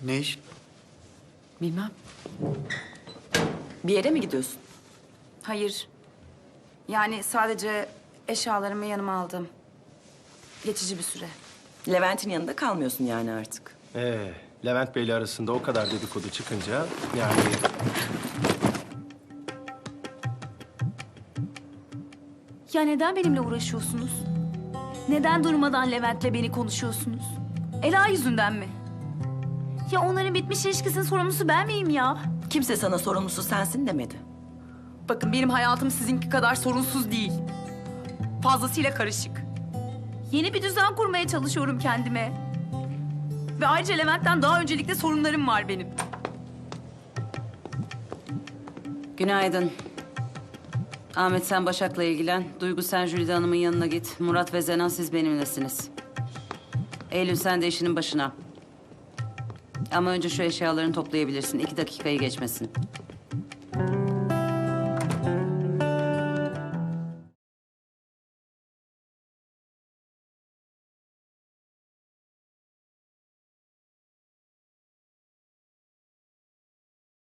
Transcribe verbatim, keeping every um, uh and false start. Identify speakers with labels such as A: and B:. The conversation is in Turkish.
A: Ne iş?
B: Bilmem. Bir yere mi gidiyorsun?
C: Hayır. Yani sadece eşyalarımı yanıma aldım. Geçici bir süre.
B: Levent'in yanında kalmıyorsun yani artık.
D: Ee, Levent Bey'le arasında o kadar dedikodu çıkınca yani...
E: Ya neden benimle uğraşıyorsunuz? Neden durmadan Levent'le beni konuşuyorsunuz? Ela yüzünden mi? Ya onların bitmiş ilişkisinin sorumlusu ben miyim ya?
B: Kimse sana sorumlusu sensin demedi.
C: Bakın benim hayatım sizinki kadar sorunsuz değil. Fazlasıyla karışık.
E: Yeni bir düzen kurmaya çalışıyorum kendime. Ve ayrıca Levent'ten daha öncelikle sorunlarım var benim.
F: Günaydın. Ahmet sen Başak'la ilgilen. Duygu sen Jülide Hanım'ın yanına git. Murat ve Zenan siz benimlesiniz. Eylül sen de işinin başına. Ama önce şu eşyalarını toplayabilirsin. İki dakikayı geçmesin.